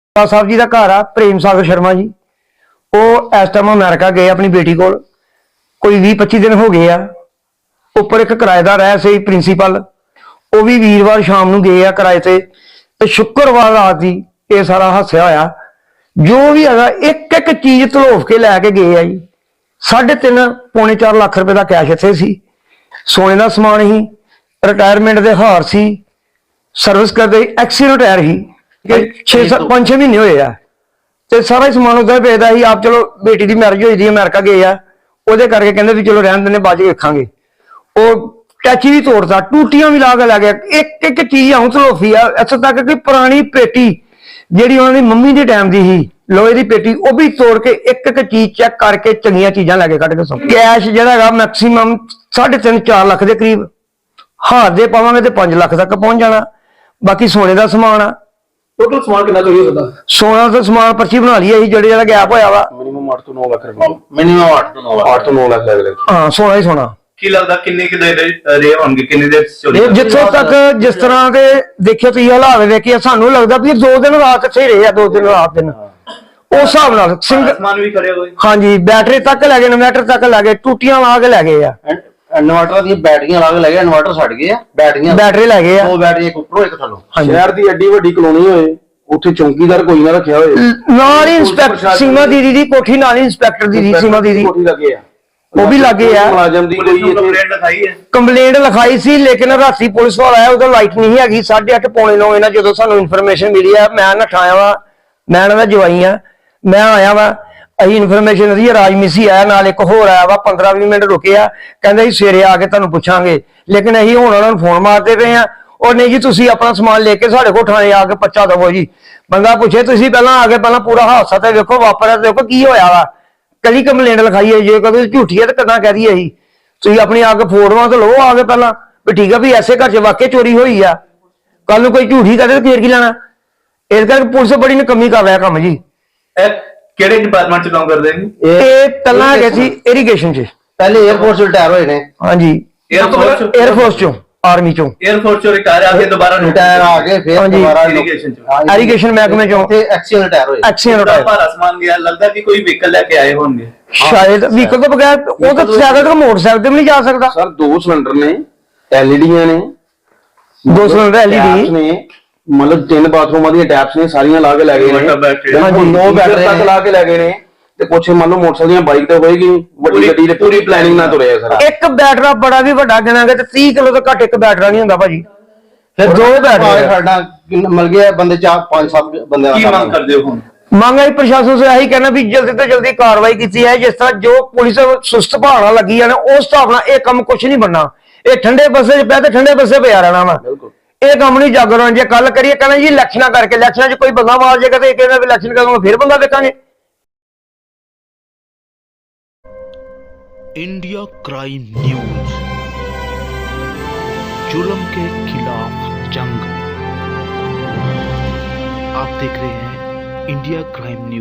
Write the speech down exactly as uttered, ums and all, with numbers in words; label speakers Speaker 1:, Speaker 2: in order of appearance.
Speaker 1: साहब जी का घर आ प्रेम सागर शर्मा जी। वो इस टाइम अमेरिका गए अपनी बेटी को, कोई भी पच्ची दिन हो गए आ। उपर एक किराएदार है सही प्रिंसीपल, वो भी वीरवार शाम को गए आ किराए से, तो शुक्रवार रात की ये सारा हादसा होया। जो भी है एक एक चीज धलोफ के लैके गए आ जी। साढ़े तीन पौने चार लाख रुपए का कैश इत्थे सी, सोने का समान ही, रिटायरमेंट के हार सी, सर्विस करते एक्सीडेंट टायर ही, छे सत्त पांच छे महीने होए आ। ते सारा ही समान उधर पेदा ही। आप चलो बेटी की मैरिज हुई थी अमेरिका गए आ, ਉਹਦੇ करके कहते भी चलो रहन देने बाद च वेखांगे। ਉਹ टैची भी तोड़ता, टूटियां भी ला के लै गया, एक एक चीज आऊं तलोफी आ। इत्थों तक कि पुरानी पेटी ਜਿਹੜੀ ਉਹਨਾਂ ਦੀ ਮੰਮੀ ਦੇ ਟਾਈਮ ਦੀ ਸੀ ਲੋਹੇ ਦੀ पेटी, ਉਹ भी तोड़ के एक एक चीज चेक करके चंगियां चीजां लैके कट के सौ कैश ਜਿਹੜਾ ਹੈਗਾ मैक्सीमम साढ़े तीन चार लाख के करीब, हार दे पावांगे तो पांच लाख तक पहुंच जाना। बाकी सोने का समान आ,
Speaker 2: टोटल समान कितना चोरी होता?
Speaker 1: सोना तो समान पर्ची बना ली है जेड़े जेड़ा गैप होया वा,
Speaker 2: मिनिमम आठ तो नौ लाख रुपए, मिनिमम आठ तो नौ लाख आठ तो नौ लाख लग लग
Speaker 1: हाँ सोना ही सोना।
Speaker 3: ਕੀ ਲੱਗਦਾ ਕਿੰਨੇ ਕਿ ਦੇ ਰਹੇ ਹੋਣਗੇ, ਕਿੰਨੇ ਦੇ ਚੋਰੀ?
Speaker 1: जिथों तक जिस तरह के देखिए तुम हालात वेखे सानू लगता भी दो दिन रात इत्थे रहे आ, दो दिन रात दिन उस हिसाब नाल सिंगल
Speaker 3: समान भी खड़े होए।
Speaker 1: हाँ जी, बैटरी तक लै गए, इन्वर्टर तक लै गए, टूटियां ला के लै गए आ,
Speaker 2: इन्वर्टर दी बैटरियां ला के ले गए, इन्वर्टर छड़ गए आ, बैटरियां
Speaker 1: बैटरी लै गए आ।
Speaker 2: दो बैटरी एक ऊपरों एक थल्लों।
Speaker 4: शहर दी एडी वड्डी कॉलोनी होए, ਉੱਥੇ ਚੌਂਕੀਦਾਰ ਕੋਈ ਨਾ ਰੱਖਿਆ ਹੋਏ,
Speaker 1: ਨਾਲ ਹੀ ਇੰਸਪੈਕਟਰ ਸੀਮਾ ਦੀਦੀ ਦੀ ਕੋਠੀ ਨਾਲ ਹੀ ਇੰਸਪੈਕਟਰ ਦੀ ਸੀਮਾ ਦੀਦੀ
Speaker 4: ਕੋਠੀ ਲੱਗੇ ਆ,
Speaker 1: ਉਹ ਵੀ ਲੱਗੇ ਆ।
Speaker 4: ਮੁਲਾਜ਼ਮ ਦੀ
Speaker 3: ਪੁਲਿਸ
Speaker 4: ਕੋਈ
Speaker 3: ਨੂੰ
Speaker 4: ਇੱਥੇ
Speaker 3: ਕੰਪਲੇਂਟ ਲਿਖਾਈ ਹੈ?
Speaker 1: ਕੰਪਲੇਂਟ ਲਿਖਾਈ ਸੀ ਲੇਕਿਨ ਰਾਤੀ ਪੁਲਿਸ ਵਾਲਾ ਆਇਆ, ਉਦੋਂ ਲਾਈਟ ਨਹੀਂ ਹੈਗੀ। ਸਾਢੇ ਅੱਠ ਪੌਣੇ ਨੌ ਇਹਨਾਂ ਜਦੋਂ ਸਾਨੂੰ ਇਨਫੋਰਮੇਸ਼ਨ ਮਿਲੀ ਆ, ਮੈਂ ਨਠਾਇਆ ਵਾ, ਮੈਂ ਇਹਨਾਂ ਦਾ ਜਵਾਈ ਆ, ਮੈਂ ਆਇਆ ਵਾ। ਅਸੀਂ ਇਨਫੋਰਮੇਸ਼ਨ ਦੀ ਰਾਜਮਿਸੀ ਆਇਆ ਨਾਲ, ਇੱਕ ਹੋਰ ਆਇਆ ਵਾ, ਪੰਦਰਾਂ ਵੀਹ ਮਿੰਟ ਰੁਕੇ ਆ, ਕਹਿੰਦੇ ਜੀ ਸਵੇਰੇ ਆ ਕੇ ਤੁਹਾਨੂੰ ਪੁੱਛਾਂਗੇ। ਲੇਕਿਨ ਅਸੀਂ ਹੁਣ ਉਹਨਾਂ ਨੂੰ ਫੋਨ ਮਾਰਦੇ ਪਏ ਆ, ਉਹ ਨਹੀਂ ਜੀ ਤੁਸੀਂ ਆਪਣਾ ਸਮਾਨ ਲੈ ਕੇ ਸਾਡੇ ਕੋਲ ਥਾਣੇ ਆ ਕੇ ਪਰਚਾ ਦਵੋ ਜੀ। ਬੰਦਾ ਪੁੱਛੇ ਤੁਸੀਂ ਪਹਿਲਾਂ ਆ ਕੇ ਪਹਿਲਾਂ ਪੂਰਾ ਹਾਦਸਾ ਤੇ ਵੇਖੋ, ਵਾਪਰਿਆ ਦੇਖੋ ਕੀ ਹੋਇਆ ਵਾ, ਕਦੀ ਕੰਪਲੇਂਟ ਲਿਖਾਈ ਹੈ, ਜੇ ਕਦੇ ਝੂਠੀ ਹੈ ਤਾਂ ਕਿੱਦਾਂ ਕਹਿ ਦਈਏ ਅਸੀਂ। ਤੁਸੀਂ ਆਪਣੀ ਆ ਕੇ ਫੋਟੋਆਂ ਤੇ ਲਓ ਆ ਕੇ ਪਹਿਲਾਂ ਵੀ ਠੀਕ ਆ ਵੀ ਐਸੇ ਘਰ 'ਚ ਵਾਕਿਆ ਚੋਰੀ ਹੋਈ ਆ, ਕੱਲ ਨੂੰ ਕੋਈ ਝੂਠੀ ਕਰੇ ਤਾਂ ਫੇਰ ਕੀ ਲੈਣਾ। ਇਸ ਕਰਕੇ ਪੁਲਿਸ ਬੜੀ ਨਕਮੀ ਕਰ ਰਿਹਾ ਕੰਮ ਜੀ।
Speaker 3: ਇਹ ਕਿਹੜੇ ਡਿਪਾਰਟਮੈਂਟ ਚ ਕੰਮ ਕਰਦੇ ਨੇ?
Speaker 1: ਇਹ ਪਹਿਲਾਂ ਹੈਗੇ ਸੀ ਇਰੀਗੇਸ਼ਨ 'ਚ,
Speaker 2: ਪਹਿਲੇ 에ਅਰਫੋਰਸ ਚ ਰਿਟਾਇਰ ਹੋਏ ਨੇ।
Speaker 1: ਹਾਂਜੀ
Speaker 3: 에ਅਰਫੋਰਸ
Speaker 1: 에ਅਰਫੋਰਸ 'ਚੋਂ, ਆਰਮੀ 'ਚੋਂ
Speaker 3: 에ਅਰਫੋਰਸ ਚੋਂ ਰਿਟਾਇਰ ਆ ਕੇ ਦੁਬਾਰਾ
Speaker 2: ਰਿਟਾਇਰ ਆ ਕੇ ਫਿਰ
Speaker 1: ਹਾਂਜੀ,
Speaker 2: ਦੁਬਾਰਾ
Speaker 3: ਇਰੀਗੇਸ਼ਨ ਚ
Speaker 1: ਇਰੀਗੇਸ਼ਨ ਮਹਿਕਮੇ 'ਚੋਂ
Speaker 2: ਤੇ ਐਕਸੀਅਲ ਰਿਟਾਇਰ ਹੋਏ।
Speaker 1: ਐਕਸੀਅਨ
Speaker 3: ਬੜਾ
Speaker 1: ਰਿਟਾਇਰ
Speaker 3: ਭਾਰਾ ਸਮਾਨ ਗਿਆ, ਲੱਗਦਾ ਕਿ ਕੋਈ ਵਹੀਕਲ ਲੈ ਕੇ ਆਏ ਹੋਣਗੇ।
Speaker 1: ਸ਼ਾਇਦ ਵਹੀਕਲ ਤੋਂ ਬਗੈਰ ਉਹ ਤਾਂ ਸਾਈਕਲ ਤੋਂ ਮੋਟਰਸਾਈਕਲ ਤੇ ਵੀ ਨਹੀਂ ਜਾ ਸਕਦਾ।
Speaker 4: ਸਰ ਦੋ ਸਿਲੰਡਰ ਨੇ, ਐਲਈਡੀਆਂ ਨੇ,
Speaker 1: ਦੋ ਸਿਲੰਡਰ
Speaker 4: ਟੈਪਸ
Speaker 1: ਐਲਈਡੀ
Speaker 4: ਨੇ, ਮਤਲਬ ਤਿੰਨ ਬਾਥਰੂਮਾਂ ਦੀਆਂ ਟੈਪਸ ਨੇ, ਸਾਰੀਆਂ ਲਾ ਕੇ ਲੈ ਗਏ ਨੇ।
Speaker 1: ਹਾਂਜੀ,
Speaker 4: ਦੋ ਬੈਟਰੀ ਤੱਕ ਲਾ ਕੇ ਲੈ ਗਏ ਨੇ। ਤੇ ਕੁਛ ਮੰਨ ਲਓ ਮੋਟਰਸਾਈਕਲ ਦੀਆਂ ਬਾਈਕ ਤੇ ਹੋਏਗੀ, ਵੱਡੀ ਗੱਡੀ ਤੇ ਪੂਰੀ ਪਲੈਨਿੰਗ ਨਾਲ ਤੁਰਿਆ ਸਰ।
Speaker 1: ਇੱਕ ਬੈਟਰਾ ਬੜਾ ਵੀ ਵੱਡਾ ਗਿਣਾਂਗੇ ਤੇ ਤੀਹ ਕਿਲੋ ਤੋਂ ਘੱਟ ਇੱਕ ਬੈਟਰਾ ਨਹੀਂ ਹੁੰਦਾ ਭਾਜੀ। ਫਿਰ ਦੋ ਬੈਟਰੇ
Speaker 2: ਸਾਡਾ ਮਿਲ ਗਿਆ ਬੰਦੇ ਚਾਰ ਪੰਜ ਸੱਤ ਬੰਦੇ
Speaker 3: ਕੀ ਮੰਗ ਕਰਦੇ ਹੋ ਹੁਣ?
Speaker 1: ਮੰਗ ਆਈ ਪ੍ਰਸ਼ਾਸਨ ਸੇ ਇਹੀ ਕਹਿਣਾ ਵੀ ਜਲਦੀ ਤੋਂ ਜਲਦੀ ਕਾਰਵਾਈ ਕੀਤੀ ਹੈ। ਜਿਸ ਤਰ੍ਹਾਂ ਜੋ ਪੁਲਿਸ ਸੁਸਤ ਭਾਵਨਾ ਲੱਗੀ ਹੈ ਨਾ, ਉਸ ਹਿਸਾਬ ਨਾਲ ਇਹ ਕੰਮ ਕੁਝ ਨਹੀਂ ਬਣਨਾ। ਇਹ ਠੰਡੇ ਬੱਸੇ 'ਚ ਪਿਆ ਤੇ ਠੰਡੇ ਬੱਸੇ ਪਿਆ ਰਹਿਣਾ ਵਾ। ਇਹ ਕੰਮ ਨਹੀਂ ਜਾਗਰਣ ਜੇ ਕੱਲ ਕਰੀਏ ਕਹਿੰਦਾ ਜੀ ਇਲੈਕਸ਼ਨਾਂ ਕਰਕੇ, ਇਲੈਕਸ਼ਨਾਂ 'ਚ ਕੋਈ ਬੰਦਾ ਮਾਰ ਜਾਏਗਾ ਤੇ ਇਹ ਕਹਿੰਦਾ ਵੀ ਇਲੈਕਸ਼ਨ ਕਰਾਂਗੇ ਫਿਰ ਬੰਦਾ ਵੇਖਾਂਗੇ।
Speaker 5: इंडिया क्राइम न्यूज, जुल्म के खिलाफ जंग। आप देख रहे हैं इंडिया क्राइम न्यूज।